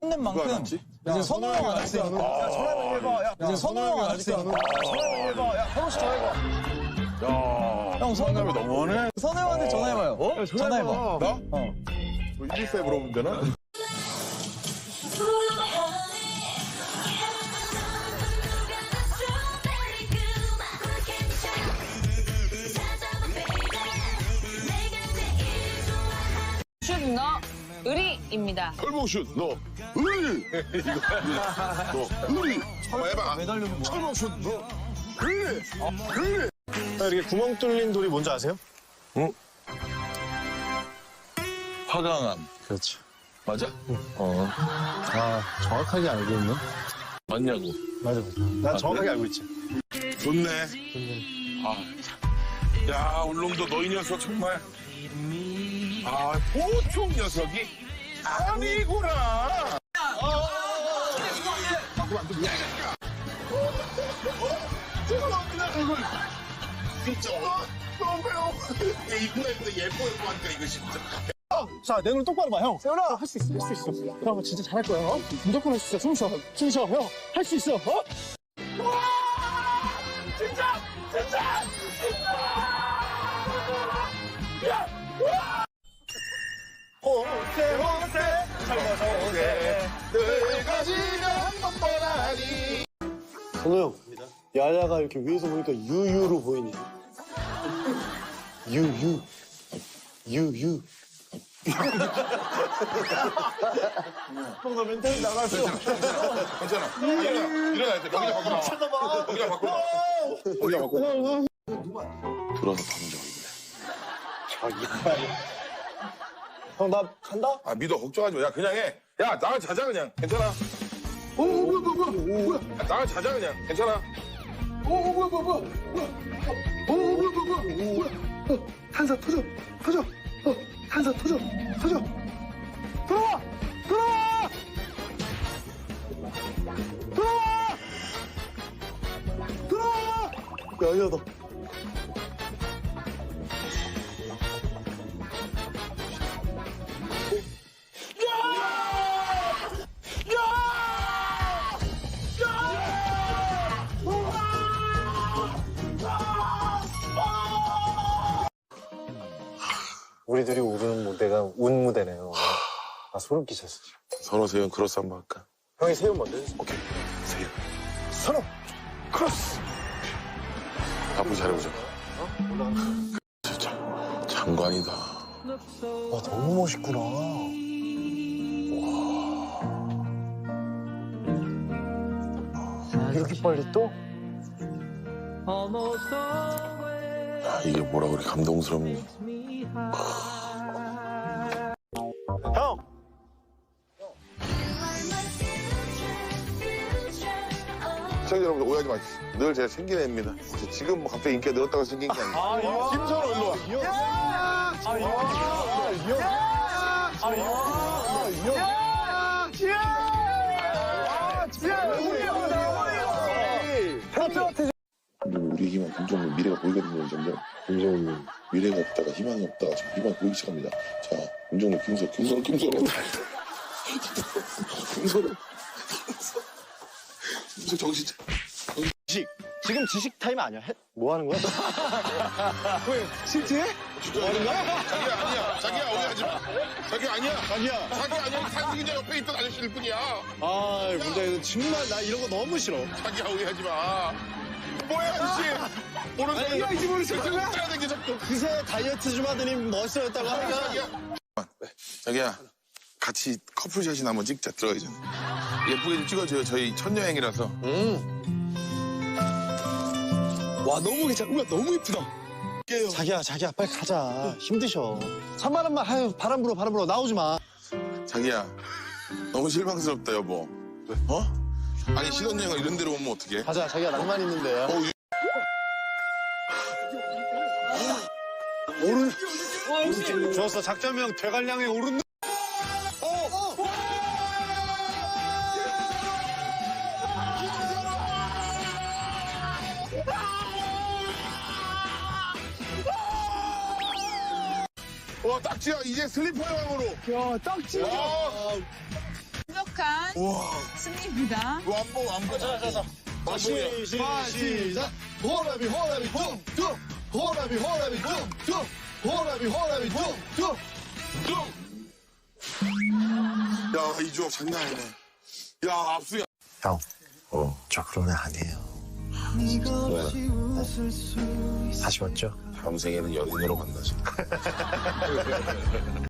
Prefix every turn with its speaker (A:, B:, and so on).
A: 낸 만큼 이제 선호 형 안 했으니까.
B: 야, 전화해봐, 해봐. 야,
A: 이제 선호 형 안 했으니까.
B: 전화해봐, 해봐. 야, 현우 씨 전화해봐.
C: 야,
A: 형 선호
C: 너무하네.
A: 선호 형한테 전화해봐요.
B: 어?
A: 전화해봐.
C: 나?
A: 어.
C: 114에 물어보면 되나?
D: 슛너 의리입니다.
C: 철봉슛, 너. 의리! 너, 의리! 한번 해봐.
A: 매달리는 거.
C: 철봉슛, 너. 의리! 의리!
B: 이렇게 구멍 뚫린 돌이 뭔지 아세요?
C: 화강암.
B: 그렇죠.
C: 맞아?
B: 아, 정확하게 알고 있네.
C: 맞냐고.
B: 맞아. 난 정확하게 알고 있지.
C: 좋네. 아, 참. 야, 울릉도 너 이 녀석 정말. 아, 보통 녀석이 아니구나. 죄송합니다, 이걸. 진짜, 너무 배워. 이거에서 예뻐 하니까 이거 진짜.
B: 자, 내 눈 똑바로 봐, 형. 세훈아, 할 수 있어, 할 수 있어. 형, 진짜 잘할 거야, 어? 무조건 할 수 있어. 숨 쉬어, 형. 할 수 있어, 어? 선우 형, 야야가 이렇게 위에서 보니까 유유로 보이니? 유유. 유유. 뭔가 멘탈이 나갔어.
C: 괜찮아. 일어나. 여기다 바꾸라.
B: 잠깐만.
C: 여기다 바꾸라. 여기다 바꾸라. 들어서 던져, 이거.
B: 형, 나 간다?
C: 아, 믿어. 걱정하지 마. 야, 그냥 해. 야, 나가 자자, 그냥. 괜찮아. 뭐야. 야, 나가 자자, 그냥. 괜찮아.
B: 뭐야. 탄사 터져. 탄사 터져. 들어와. 야야다. 우리들이 오르는 무대가 운 무대네요. 아, 소름 끼쳤어.
C: 선호, 세윤, 크로스 한번 할까?
B: 형이 세운 먼저 해주세요.
C: 오케이. 세윤.
B: 선호! 크로스!
C: 앞으로 잘해보자. 진짜 장관이다.
B: 와, 너무 멋있구나. 와. 이렇게 빨리 또?
C: 야, 이게 뭐라 그래, 감동스럽니?
B: 형!
C: 시청자 여러분들 오해하지 마십시오. 늘 제가 챙기는 애입니다. 지금 뭐 갑자기 인기가 늘었다고 생긴 게 아니에요. 김선호 일로 와. 우리 희망 김종국 미래가 보이거든요. 점점 김종국 미래가 없다가 희망이 없다가 지금 희망이 보이기 시작합니다. 자, 김종국 김선호 정신 차려.
B: 지금 지식 타임 아니야? 뭐 하는 거야? 왜? 실제?
C: 뭐 하는 거야? 자기야 오해하지 마. 자기 아니야. 자기 아니야. 상승이자 옆에 있던 아저씨일 뿐이야.
B: 아, 문제 정말 나 이런 거 너무 싫어.
C: 자기야 오해하지 마. 뭐야 아저씨. 모르는 사람이 이거 모르겠어. 따라다니게 자꾸.
B: 그새 다이어트 좀 하더니 멋있어졌다고 하니까.
C: 자기야 같이 커플샷이나 한번 찍자. 들어가기 전에. 예쁘게 좀 찍어줘요. 저희 첫 여행이라서.
B: 와, 너무 괜찮아. 우와, 너무 예쁘다. 자기야, 빨리 가자. 힘드셔. 산바람만, 아유, 바람 불어. 나오지 마.
C: 자기야 너무 실망스럽다 여보. 어? 아니 신혼여행을 이런 데로 오면 어떡해?
B: 가자, 자기야, 낭만 있는데. 오른. 좋았어, 작전명 대관량에 오른.
C: 와 딱지야 이제 슬리퍼 여행으로.
B: 야, 딱지야.
D: 부족한 승리입니다.
C: 안 보고. 자.
B: 시작. 호라비 호라비 퉁퉁. 호라비 호라비 퉁퉁. 호라비 호라비 퉁퉁.
C: 야, 이 조합 장난 아니네. 야, 압수야.
B: 형, 저 그런 애 아니에요.
C: 왜?
B: 아쉬웠죠?
C: 다음 생에는 연인으로 만나자.